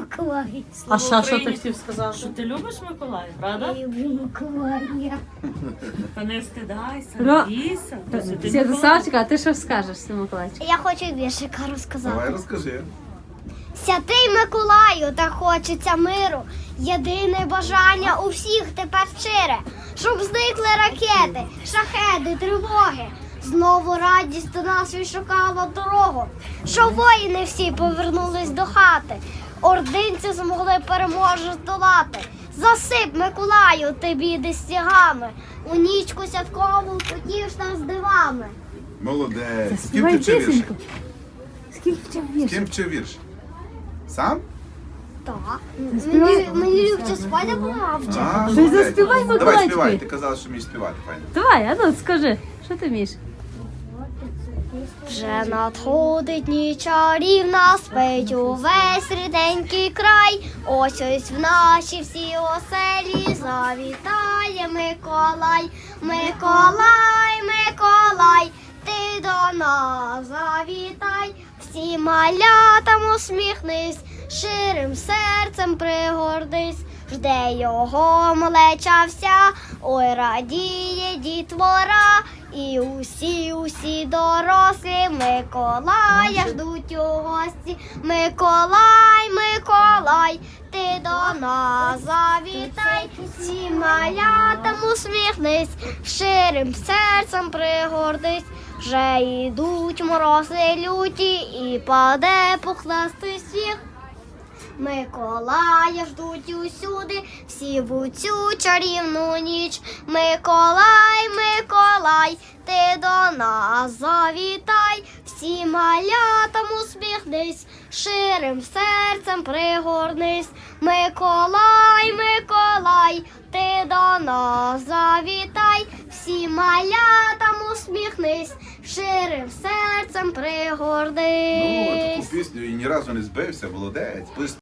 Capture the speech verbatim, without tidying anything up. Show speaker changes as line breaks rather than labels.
Миколая.
А ще що ти хотів сказати?
Що ти любиш Миколая, правда?
Я люблю Миколая.
Та не стидайся,
Ро-
радійся. то Святий Миколай.
Святославчик, а ти що скажеш, Миколайчик?
Я хочу віршика розказати.
Давай розкажи.
Святий Миколаю, та хочеться миру. Єдине бажання у всіх тепер щире, щоб зникли ракети, шахеди, тривоги. Знову радість до нас відшукала дорогу, щоб воїни всі повернулись до хати. Ординці змогли переможу здолати. Засип, Миколаю, ти біди стягами. У нічку святкову потіш нас дивами.
Молодець. З ким
Співай
ти вчив вірш?
пісеньку. Скільки вчив
З
вірш?
ким вчив вірш? Сам?
Так.
співай?
Мені, мені Любча спадя помавче.
А,
Ти
молодець.
заспівай,
Давай
Миколайчику.
співай, ти казала, що вмієш співати, файно.
Давай, а ну скажи, що ти вмієш?
Вже надходить ніч чарівна, спить увесь ріденький край. Ось ось в наші всі оселі завітає Миколай. Миколай, Миколай, ти до нас завітай. Всі малятам усміхнись, ширим серцем пригордись. Жде його малеча вся, ой, радіє дітвора. І усі, усі дорослі Миколая ждуть у гості. Миколай, Миколай, ти до нас завітай. Всі малятам усміхнись, ширим серцем пригордись. Вже йдуть морози люті і паде пухнастий сніг. Миколая ждуть усюди, всі в цю чарівну ніч. Миколай, Миколай, ти до нас завітай. Всі малятам усміхнись, ширим серцем пригорнись. Миколай, Миколай, ти до нас завітай. Всі малятам усміхнись, ширим серцем
Ну,
пригорнись.
таку пісню і ні разу не збився, молодець.